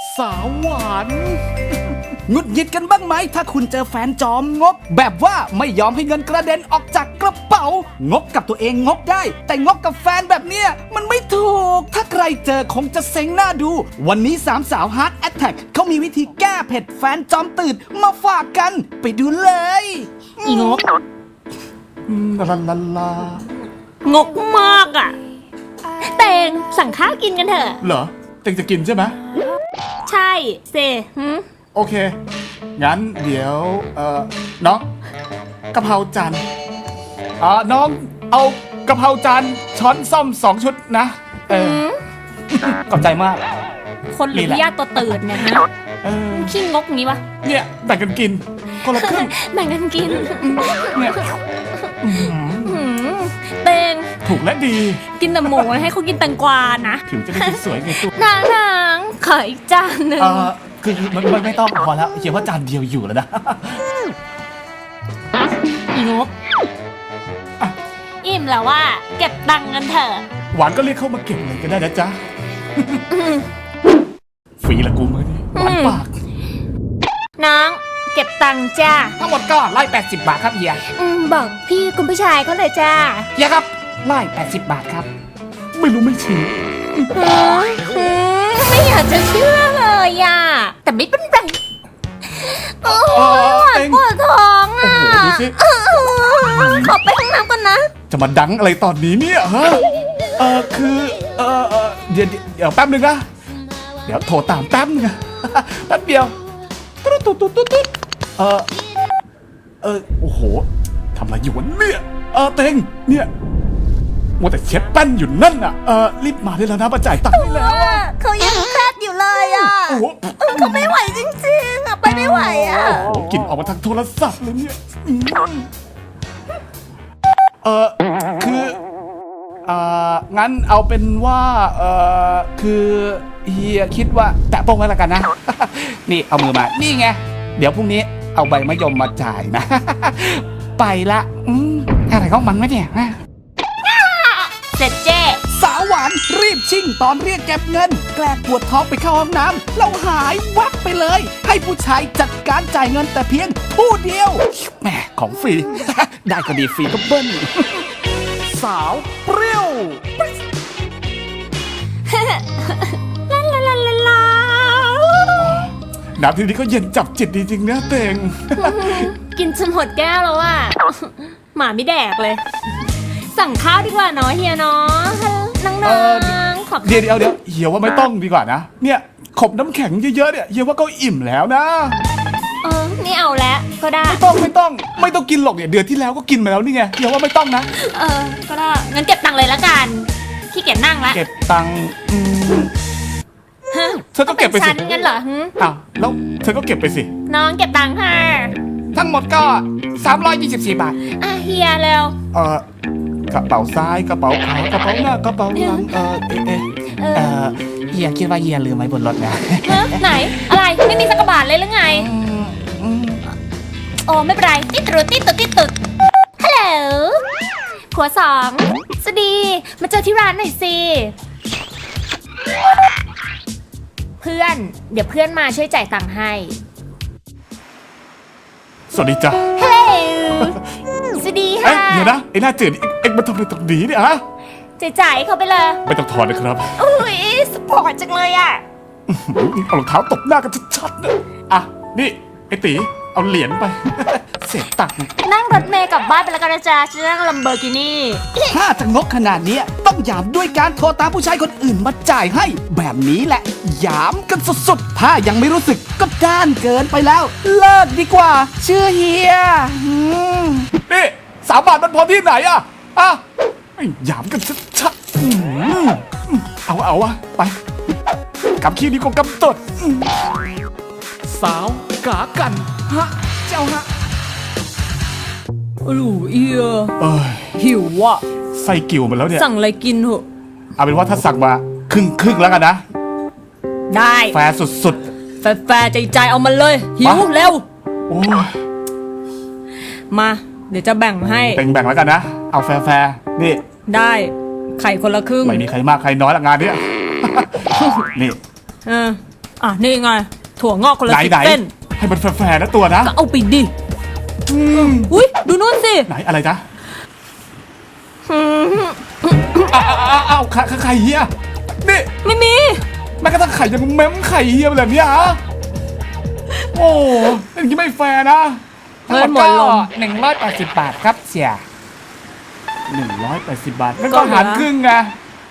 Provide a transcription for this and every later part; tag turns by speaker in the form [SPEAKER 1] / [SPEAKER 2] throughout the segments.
[SPEAKER 1] สาวหวานหงุดหงิดกันบ้างไหมถ้าคุณเจอแฟนจอมงกแบบว่าไม่ยอมให้เงินกระเด็นออกจากกระเป๋างกกับตัวเองงกได้แต่งกกับแฟนแบบเนี้ยมันไม่ถูกถ้าใครเจอคงจะเซ็งหน้าดูวันนี้สามสาว Heart Attack เขามีวิธีแก้เผ็ดแฟนจอมตื่นมาฝากกันไปดูเลย
[SPEAKER 2] อีงก
[SPEAKER 1] ลาลาลาง
[SPEAKER 2] กมากอ่ะเตงสั่งข้าวกินกันเถอะ
[SPEAKER 1] เหรอเต็งจะกินใช่ไหม
[SPEAKER 2] ใช่เซ
[SPEAKER 1] โอเคงั้นเดี๋ยวน้องกะเพราจานน้องเอากะเพราจานช้อนส้อม2 ชุดนะขอบใจมาก
[SPEAKER 2] คนหรือญาติตัวตื่นเนี่ยฮะขี้งกงี้วะ
[SPEAKER 1] เนี่ยแบ่งกันกินคนละครึ่ง
[SPEAKER 2] แบ่งกันกิน
[SPEAKER 1] เนี่ย
[SPEAKER 2] เตง
[SPEAKER 1] ถูกและดี
[SPEAKER 2] กินแต่หมูให้เขากินแตงกวานะ
[SPEAKER 1] ถึงจะได้สวยไงตุ๊ก
[SPEAKER 2] นางขออีกจานหนึ่ง
[SPEAKER 1] คือมันไม่ต้องพอแล้วเขียนว่าจานเดียวอยู่แล้วนะ
[SPEAKER 2] อีงกอิ่มแล้วว่าเก็บตังค์กันเถอะ
[SPEAKER 1] หวานก็เรียกเข้ามาเก็บเลยก็ได้นะจ๊ะฟรีละกูมือนี่หวานปาก
[SPEAKER 2] น้องเก็บตังค์จ้า
[SPEAKER 1] ทั้งหมดก็180 บาทครับเฮีย
[SPEAKER 2] บอกพี่คุณผู้ชายเขาเลยจ้า
[SPEAKER 1] เฮียครับ180 บาทครับไม่รู้ไม่ชี้
[SPEAKER 2] ไม่อยากจะเชื่อเลยอ่ะแต่ไม่เป็นไรโอ้ยปวดท้องอ่ะขอไปห้องน้ำก่อนนะ
[SPEAKER 1] จะมาดังอะไรตอนนี้เนี่ยฮะคือเดี๋ยวแป๊บนึงนะเดี๋ยวโทรตามแป๊บนึงแป๊บเดียวตุ๊ดโอ้โหทำอะไรอยู่วะเนี่ยเต็งเนี่ยมัวแต่เช็ดแป้นอยู่นั่นอ่ะรีบมาได้แล้วนะมาจ่ายตังค์ได้แล้ว
[SPEAKER 2] เขายังแคบอยู่เลยอ่ะเขาไม่ไหวจริงๆอ่ะไปไม่ไหวอ่ะ
[SPEAKER 1] โอ้กินออกมาทางโทรศัพท์เลยเนี่ยคืองั้นเอาเป็นว่าคือเฮียคิดว่าแตะโป้งไว้แล้วกันนะนี่เอามือมานี่ไงเดี๋ยวพรุ่งนี้เอาใบมะยมมาจ่ายนะไปละอะไรของมันไม่เนี่ย
[SPEAKER 2] เสร็จเจ้
[SPEAKER 1] สาวหวานรีบชิ่งตอนเรียกเก็บเงินแกล้งปวดท้องไปเข้าห้องน้ำแล้วหายวับไปเลยให้ผู้ชายจัดการจ่ายเงินแต่เพียงผู้เดียวแหมของฟรี ได้ก็ดีฟรีก็เบิ้ลสาวเปรี้ยวน้ำที่นี่ก็เย็นจับจิตดีจริงนะเต็ง
[SPEAKER 2] กินจนหมดแก้วแล้วอ่ะหมาไม่แดกเลยสั่งข้าวดีกว่าเนาะเฮียเนาะน้องๆขอบ
[SPEAKER 1] เดี๋ยวเฮียว่าไม่ต้องดีกว่านะเนี่ยขบน้ำแข็งเยอะๆเนี่ยเฮียว่าก็อิ่มแล้วนะ
[SPEAKER 2] นี่เอาแล้วก็ได้
[SPEAKER 1] ไม่ต้องกินหรอกเนี่ยเดือนที่แล้วก็กินมาแล้วนี่ไงเฮียว่าไม่ต้องนะ
[SPEAKER 2] ก็ได้งั้นเก็บตังค์เลยละกันขี้เกียจนั่งละ
[SPEAKER 1] เก็บตังค์เธอก็เก็บไปสิ
[SPEAKER 2] งั้นเหรอ
[SPEAKER 1] อ้าวแล้วเธอก็เก็บไปสิ
[SPEAKER 2] น้องเก็บตังค์ค่ะ
[SPEAKER 1] ทั้งหมดก็324 บาท
[SPEAKER 2] เฮียเร็ว
[SPEAKER 1] กระเป๋าซ้ายกระเป๋าขวากระเป๋าหน้ากระเป๋าหลังเฮียคิดว่าเฮียลืมไว้บนรถนะ
[SPEAKER 2] ไหนอะไรไม่มีสักบาทเลยหรือไงโอ้ไม่เป็นไรติดตุดฮัลโหลผัว2สวัสดีมาเจอที่ร้านหน่อยสิเพื่อนเดี๋ยวเพื่อนมาช่วยจ่ายตังค์ให้
[SPEAKER 1] สวัสดีจ้ะ
[SPEAKER 2] ฮัลโหลสวัสดีค่ะ
[SPEAKER 1] เดี๋ยวนะไอ้หน้าจืดเอ็งมาทำอะไรตรงนี้เนี่ยฮะ
[SPEAKER 2] จ่ายเขาไปเลย
[SPEAKER 1] ไม่ต้องถอนนะครับ
[SPEAKER 2] อุ้ยสปอร์ตจังเลยอ่ะ
[SPEAKER 1] เอารองเท้าตบหน้ากันชัดๆนะนี่ไอ้ตีเอาเหรียญไปเศษตังค์
[SPEAKER 2] นั่งรถเมล์กลับบ้านไปแล้วกันนะจ๊ะจะนั่งลัมโบกินี่
[SPEAKER 1] ถ้าจะงกขนาดนี้ต้องหยามด้วยการโทรตามผู้ชายคนอื่นมาจ่ายให้แบบนี้แหละหยามกันสุดๆถ้ายังไม่รู้สึกก็ด้านเกินไปแล้วเลิกดีกว่าเชื่อเฮียนี่3 บาทมันพอที่ไหนหยามกันชัดๆเอาไปกับขี้นี้ก็กำตดสาวกากันเจ้า
[SPEAKER 2] เอียหิวว่ะ
[SPEAKER 1] ไส้กิ่วมาแล้วเนี่ย
[SPEAKER 2] สั่งอะไรกินเหอะ
[SPEAKER 1] เอาเป็นว่าถ้าสั่งมาครึ่งแล้วกันนะ
[SPEAKER 2] ได้
[SPEAKER 1] แฟร์สุด
[SPEAKER 2] แฟร์ใจเอามาเลยหิวเร็วมาเดี๋ยวจะแบ่งให้
[SPEAKER 1] แบ่งแล้วกันนะเอาแฟร์นี่
[SPEAKER 2] ได้ไข่คนละครึ่ง
[SPEAKER 1] ไม่มีใครมากใครน้อยละงานเนี้ยนี่
[SPEAKER 2] นี่ไงถั่วงอกคนละ
[SPEAKER 3] ไหน
[SPEAKER 2] 10
[SPEAKER 3] ไหน
[SPEAKER 2] เส้น
[SPEAKER 3] ให้มันแฟร์ๆนะตัวนะ
[SPEAKER 2] ก็เอาไปดิ
[SPEAKER 3] อืม
[SPEAKER 2] อุ้ยดูนู่นสิ
[SPEAKER 3] ไหนอะไรจ๊ะอ้าวไข่เฮียนี่
[SPEAKER 2] ไม่มี
[SPEAKER 3] แม้กระทั่งไข่ยังเม้มไข่เฮียแบบนี้ฮะโอ้อย่างนี้ไม่แฟร์นะ
[SPEAKER 2] เงินหมดลม
[SPEAKER 3] 180 บาทครับเสีย180 บาทนั่น
[SPEAKER 2] ก็
[SPEAKER 3] ก็
[SPEAKER 2] เหลือ
[SPEAKER 3] หารครึ่งไง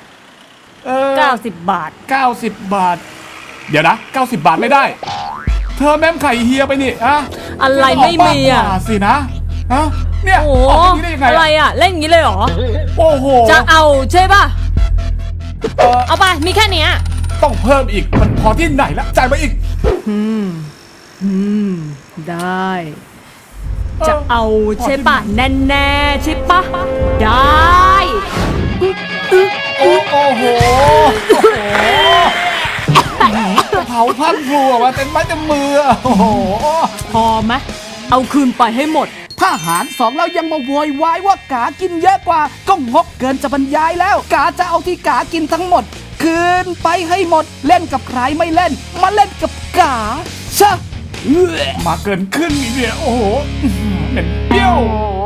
[SPEAKER 2] 90 บาท
[SPEAKER 3] 90 บาท เดี๋ยวนะ 90 บาทไม่ได้ เธอแม่มไข่เฮียไปนี่อะ
[SPEAKER 2] อะไรไม่มีอ่ะ
[SPEAKER 3] กกว่าสินะฮะเนี่ย
[SPEAKER 2] โอ้
[SPEAKER 3] ออกอย่างนี้ได้ยังไง
[SPEAKER 2] อะไรอ่ะเล่นอย่างนี้เลยเหรอ
[SPEAKER 3] โอ้โห
[SPEAKER 2] จะเอาใช่ป่ะ
[SPEAKER 3] เออ
[SPEAKER 2] เอาไปมีแค่เนี้ย
[SPEAKER 3] ต้องเพิ่มอีกมันพอที่ไหนละจ่ายมาอีก
[SPEAKER 2] ได้ จะเอาใช่ป่ะแน่ๆใช่ป่ะได้
[SPEAKER 3] โอ้โหเผาพังพลูออกมาเต็มไม้เต็มมือโอ้โห
[SPEAKER 2] พอไหมเอาคืนไปให้หมด
[SPEAKER 1] ถ้าหารสองแล้วยังมาโวยวายว่ากากินเยอะกว่าก็งกเกินจะบรรยายแล้ว กาจะเอาที่กากินทั้งหมด คืนไปให้หมด เล่นกับใครไม่เล่น มาเล่นกับกาชะ
[SPEAKER 3] มาเกินครึ่งอีกเนี่ยโอ้โหเหม็นเปรี้ยว